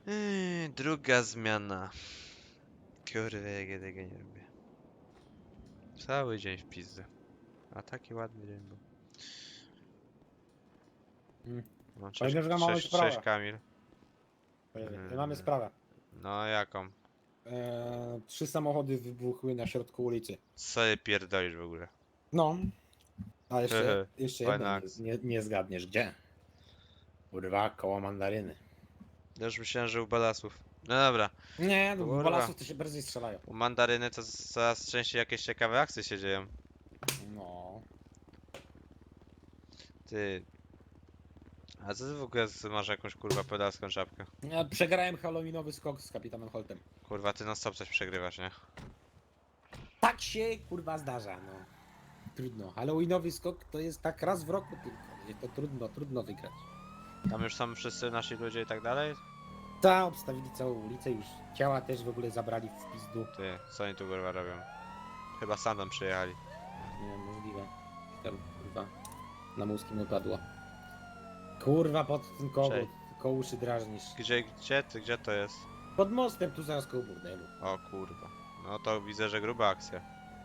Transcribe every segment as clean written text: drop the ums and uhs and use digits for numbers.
Druga zmiana. Kurwa, jak ja tego nie lubię. Cały dzień w pizdę. A taki ładny dzień był. Mm. No, Powiem, że mamy cześć sprawę. Kamil. Mamy Mm, sprawę. No jaką? 3 samochody wybuchły na środku ulicy. Co je pierdolisz w ogóle? No, a jeszcze jedno, Fajna akcja. nie zgadniesz gdzie. Kurwa, koło mandaryny. Ja już myślałem, że u Balasów. No dobra. Nie, no, w Kurwa. balasów to się bardziej strzelają. U Mandaryny to coraz częściej jakieś ciekawe akcje się dzieją. No. Ty. A co ty w ogóle masz jakąś kurwa pedalską czapkę? Ja przegrałem halloweenowy skok z kapitanem Holtem. Kurwa, ty non stop coś przegrywasz, nie? Tak się kurwa zdarza, no. Trudno. Halloweenowy skok to jest tak raz w roku tylko. To trudno wygrać. Tam już są wszyscy nasi ludzie i tak dalej? Ta obstawili całą ulicę już. Ciała też w ogóle zabrali w pizdu. Ty, co oni tu kurwa robią? Chyba sam tam przyjechali. Nie wiem, możliwe. Tam kurwa na mózg mi upadło. Kurwa pod tym koło, Cześć. koło uszy drażnisz. Gdzie to jest? Pod mostem tu zaraz koło burdelu. O kurwa. No to widzę, że gruba akcja.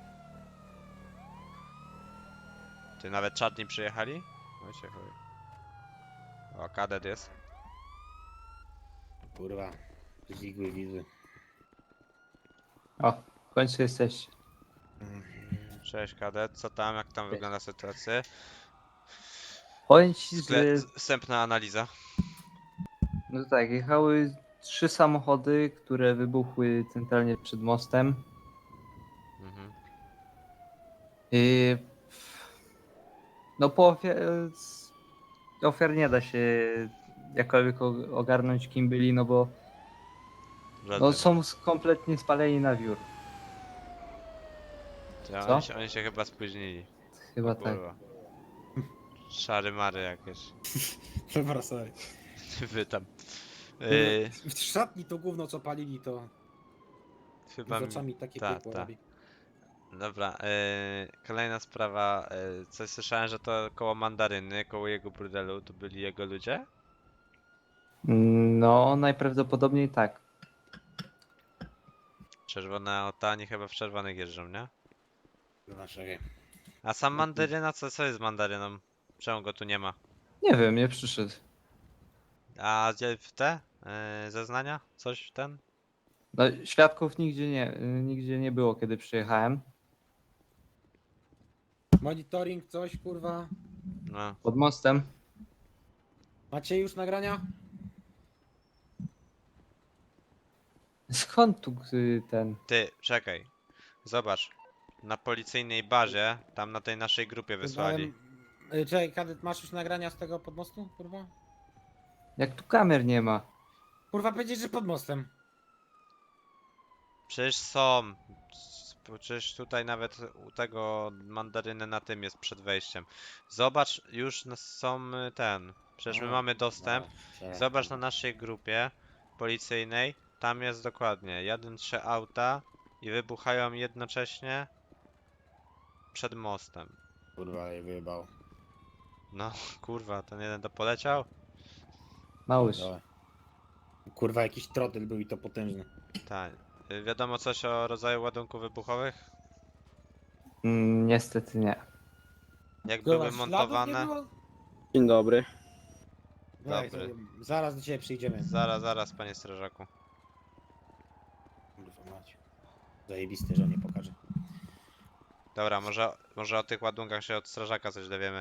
Ty nawet czarni przyjechali? No cię chuj. O, kadet jest. Kurwa. Zigły widły. O, w końcu jesteś. Cześć kadet, co tam? Jak tam wygląda sytuacja? Powiem ci, że Wstępna analiza. no tak, jechały 3 samochody, które wybuchły centralnie przed mostem. Mhm. I no po ofiar nie da się jakkolwiek ogarnąć kim byli, no bo no Żaden. są kompletnie spaleni na wiór. Ty, Co? oni się chyba spóźnili. Chyba O tak. kurwa. Szary mary jakieś. Dobra, sorry. Wy tam. W szatni to gówno co palili to Chyba z oczami takie ta, piekło ta. robi. Dobra, kolejna sprawa. Coś słyszałem, że to koło mandaryny, koło jego burdelu, to byli jego ludzie? No najprawdopodobniej tak. Czerwone auta, oni chyba w czerwonych jeżdżą, nie? Kurwa, czekaj. A sam mandaryna, co jest z mandaryną? Czemu go tu nie ma? Nie wiem, nie przyszedł. A gdzie w te zeznania? Coś ten? No, świadków nigdzie nie było, kiedy przyjechałem. Monitoring, coś kurwa. No. Pod mostem. Macie już nagrania? Skąd tu ten? Ty, czekaj. Zobacz. Na policyjnej bazie, tam na tej naszej grupie wysłali. Czekaj, kadet, masz już nagrania z tego podmostu, kurwa? Jak tu kamer nie ma? Kurwa, powiedzieć, że pod mostem. Przecież są. Przecież tutaj nawet u tego mandaryny na tym jest przed wejściem. Zobacz, już są ten. Przecież my A, mamy dostęp. czekaj. Zobacz na naszej grupie policyjnej. Tam jest dokładnie. Jadą 3 auta i wybuchają jednocześnie przed mostem. Kurwa, je wyjebał. No kurwa, ten jeden to poleciał? Małysz. Dobra. Kurwa, jakiś trotyl był i to potężny. Tak. Wiadomo coś o rodzaju ładunków wybuchowych? Niestety nie. Jak Kurwa, były śladów montowane? nie było? Dzień dobry. Weź, Dobry. zaraz do ciebie przyjdziemy. Zaraz, panie strażaku. Kurwa mać. Zajebiste, że nie pokażę. Dobra, może o tych ładunkach się od strażaka coś dowiemy.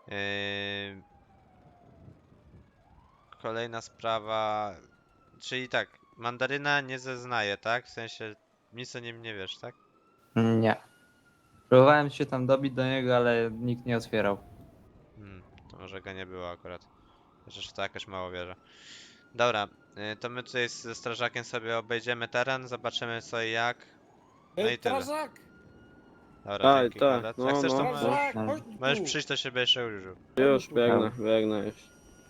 Kolejna sprawa. Czyli tak, mandaryna nie zeznaje, tak? W sensie nic o nim nie wiesz, tak? Nie. Próbowałem się tam dobić do niego, ale nikt nie otwierał. To może go nie było akurat. Chociaż to jakoś mało wierzę. Dobra, to my tutaj ze strażakiem sobie obejdziemy teren, zobaczymy co i jak. No i tyle. Strażak! Dobra, Tak, dzięki tak, kadet. no, Jak chcesz to no. Strażak! no. Chodź tu! możesz przyjść do siebie jeszcze użył. Już tu. biegnę już.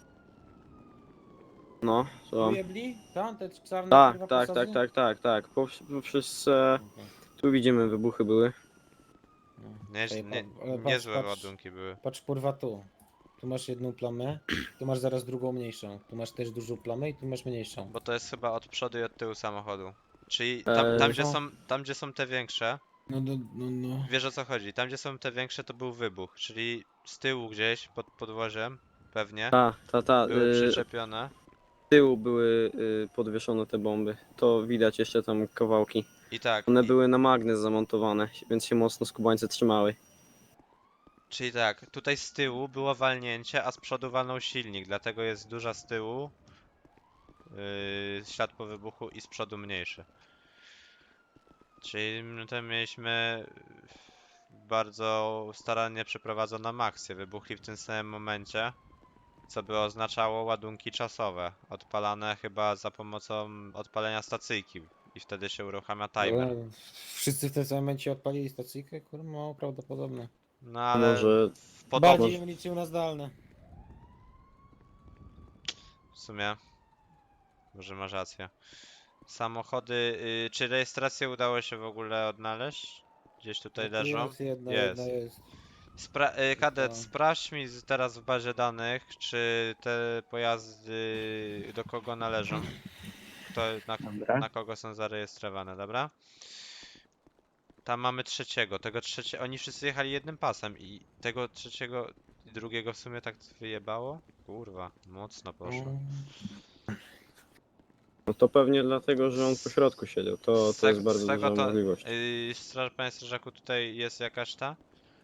No, co? Ujebli? Tam te czarne Tak, kurwa tak, posazy? tak. Poprzez Okej. tu widzimy wybuchy były. No. Nie, Czekaj, nie, ale niezłe ładunki były. Patrz kurwa tu. tu masz jedną plamę, tu masz zaraz drugą mniejszą. Tu masz też dużą plamę i tu masz mniejszą. Bo to jest chyba od przodu i od tyłu samochodu. Czyli Co? tam gdzie są te większe, No. wiesz o co chodzi. Tam gdzie są te większe to był wybuch, czyli z tyłu gdzieś pod podwoziem, pewnie, Ta. były przyczepione. Z tyłu były podwieszone te bomby. To widać jeszcze tam kawałki. I tak, One były na magnes zamontowane, więc się mocno skubańce trzymały. czyli tak, tutaj z tyłu było walnięcie, a z przodu walnął silnik, dlatego jest duża z tyłu, ślad po wybuchu i z przodu mniejszy. Czyli tutaj mieliśmy bardzo starannie przeprowadzoną akcję. Wybuchli w tym samym momencie, co by oznaczało ładunki czasowe, odpalane chyba za pomocą odpalenia stacyjki i wtedy się uruchamia timer. Wszyscy w tym samym momencie odpalili stacyjkę? Kurwa, mało prawdopodobne. No ale Może podobno Bardziej ją liczył na zdalne. w sumie, może masz rację. Samochody, czy rejestrację udało się w ogóle odnaleźć? Gdzieś tutaj No tu leżą? jest jedna Jest. jest. Kadet, to- sprawdź mi teraz w bazie danych, czy te pojazdy do kogo należą. Kto, Dobra. na kogo są zarejestrowane, dobra? Tam mamy trzeciego. Tego trzeciego. Oni wszyscy jechali jednym pasem i tego trzeciego i drugiego w sumie tak wyjebało? Kurwa, mocno poszło. no to pewnie dlatego, że on po środku siedział. To jest bardzo Swego duża to. możliwość. Panie strażaku, tutaj jest jakaś ta?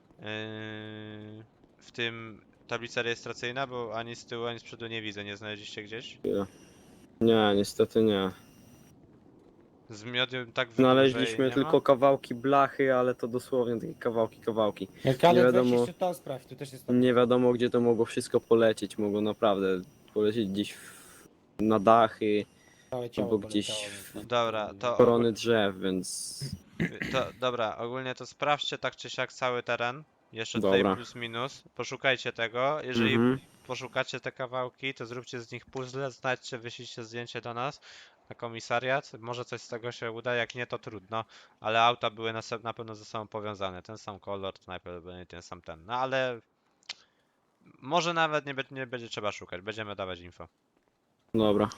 W tym tablica rejestracyjna, bo ani z tyłu, ani z przodu nie widzę. Nie znaleźliście gdzieś? Nie, niestety nie. Z miodem tak wybuch, że jej Znaleźliśmy nie ma? tylko kawałki blachy, ale to dosłownie takie kawałki. Kadet, weź wiadomo- jeszcze to sprawdź, tu też jest to. Nie wiadomo, gdzie to mogło wszystko polecieć. Mogło naprawdę polecieć gdzieś na dachy, Całe ciało albo gdzieś poleciało, więc tam- Dobra, to korony drzew, więc dobra, ogólnie to sprawdźcie tak czy siak cały teren. Jeszcze tutaj Dobra. plus minus. Poszukajcie tego. Jeżeli Mhm. poszukacie te kawałki, to zróbcie z nich puzzle, znajdźcie, wyślijcie zdjęcie do nas na komisariat. Może coś z tego się uda, jak nie to trudno. Ale auta były na pewno ze sobą powiązane. Ten sam kolor, to najprawdopodobniej ten sam ten. No ale może nawet nie będzie trzeba szukać. Będziemy dawać info. Dobra.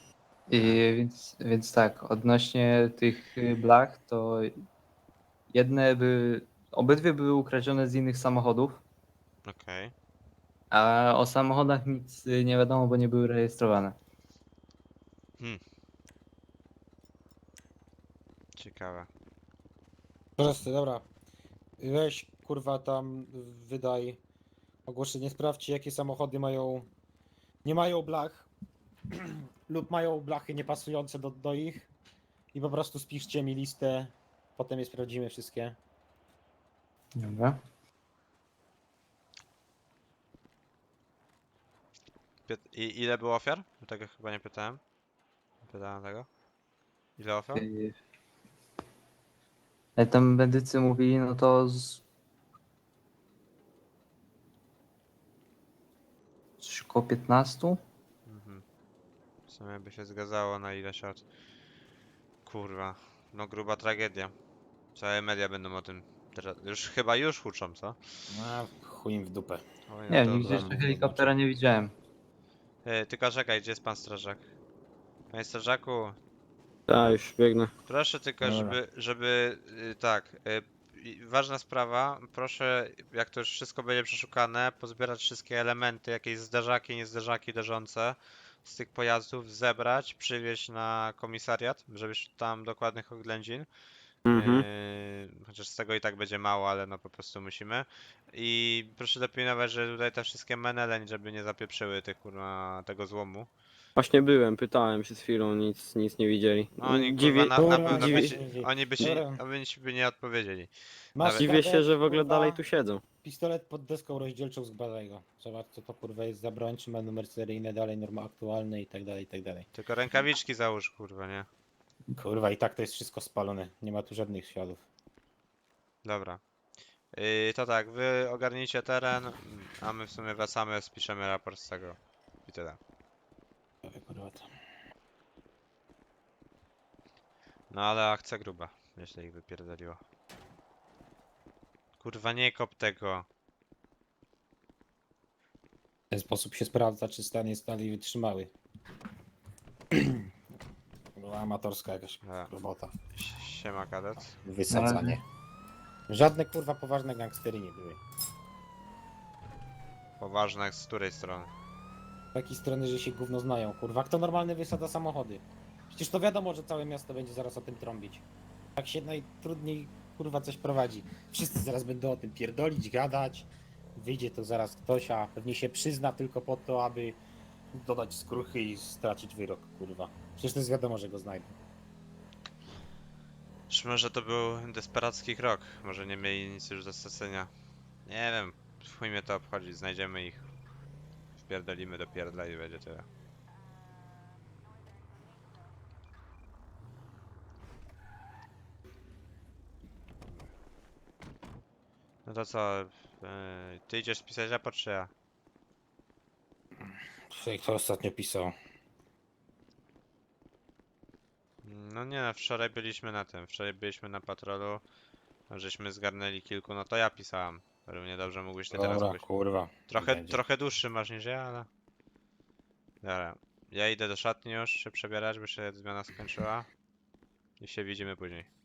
Więc tak, odnośnie tych blach, to obydwie były ukradzione z innych samochodów, Okej. a o samochodach nic nie wiadomo, bo nie były rejestrowane. Ciekawe. Proste, dobra. Weź kurwa tam wydaj ogłoszenie, sprawdźcie jakie samochody nie mają blach lub mają blachy niepasujące do ich i po prostu spiszcie mi listę, potem je sprawdzimy wszystkie. Dobra. I ile było ofiar? Tego chyba nie pytałem. Nie pytałem tego. Ile ofiar? Jak tam medycy mówili, no to coś około 15? Mhm. W sumie by się zgadzało na ileś lat. Kurwa. No gruba tragedia. Całe media będą o tym teraz. Chyba już huczą, co? A chuj im w dupę. Oj, no Nie, dobra. nigdzie jeszcze helikoptera nie widziałem. Tylko czekaj, gdzie jest pan strażak? Panie strażaku, Tak, już biegnę. proszę tylko, Dobra. ważna sprawa, proszę, jak to już wszystko będzie przeszukane, pozbierać wszystkie elementy, jakieś zderzaki, niezderzaki leżące z tych pojazdów, zebrać, przywieźć na komisariat, żebyś tam dokładnych oględzin. Mhm. Chociaż z tego i tak będzie mało, ale no po prostu musimy. I proszę dopilnować, że tutaj te wszystkie menele, żeby nie zapieprzyły tych kurwa tego złomu. Właśnie byłem, pytałem przed chwilą, nic nie widzieli. No oni Dziwię, kurwa na Kurwa, pewno dziwię by się. oni by się, Dobra. oni by nie odpowiedzieli. Masz Nawet- dziwię się, kadet, że w ogóle kurwa, dalej tu siedzą. pistolet pod deską rozdzielczą z Badego. Zobacz co to kurwa jest za broń, czy ma numer seryjny, dalej norma aktualne i tak dalej, i tak dalej. Tylko rękawiczki załóż kurwa, nie? Kurwa i tak to jest wszystko spalone, nie ma tu żadnych śladów. Dobra. To tak, wy ogarnijcie teren, a my w sumie wracamy, spiszemy raport z tego. I tyle. Kurwa to. No ale akcja gruba, jeśli ich wypierdoliło. Kurwa nie kop tego. W ten sposób się sprawdza, czy stan jest dalej wytrzymały. Była amatorska jakaś Dobra. robota. Siema kadet. Wysadzanie. Żadne kurwa poważne gangstery nie były. Poważne jak z której strony? Z takiej strony, że się gówno znają, kurwa. Kto normalny wysadza samochody? Przecież to wiadomo, że całe miasto będzie zaraz o tym trąbić. Tak się najtrudniej kurwa coś prowadzi. Wszyscy zaraz będą o tym pierdolić, gadać. Wyjdzie to zaraz ktoś, a pewnie się przyzna tylko po to, aby dodać skruchy i stracić wyrok, kurwa. Przecież to jest wiadomo, że go znajdą. Czy może to był desperacki krok? Może nie mieli nic już do stracenia? Nie wiem. Chuj mnie to obchodzi. Znajdziemy ich. Wpierdolimy do pierdla i będzie tyle. No to co? Ty idziesz pisać raport czy ja? Kto ostatnio pisał? No nie no, wczoraj byliśmy na tym. Wczoraj byliśmy na patrolu. Żeśmy zgarnęli kilku. No to ja pisałem. Równie dobrze mógłbyś ty teraz Dobra, być. kurwa. Będzie. Trochę dłuższy masz niż ja, ale... Dobra. Ja idę do szatni już się przebierać, bo się zmiana skończyła. I się widzimy później.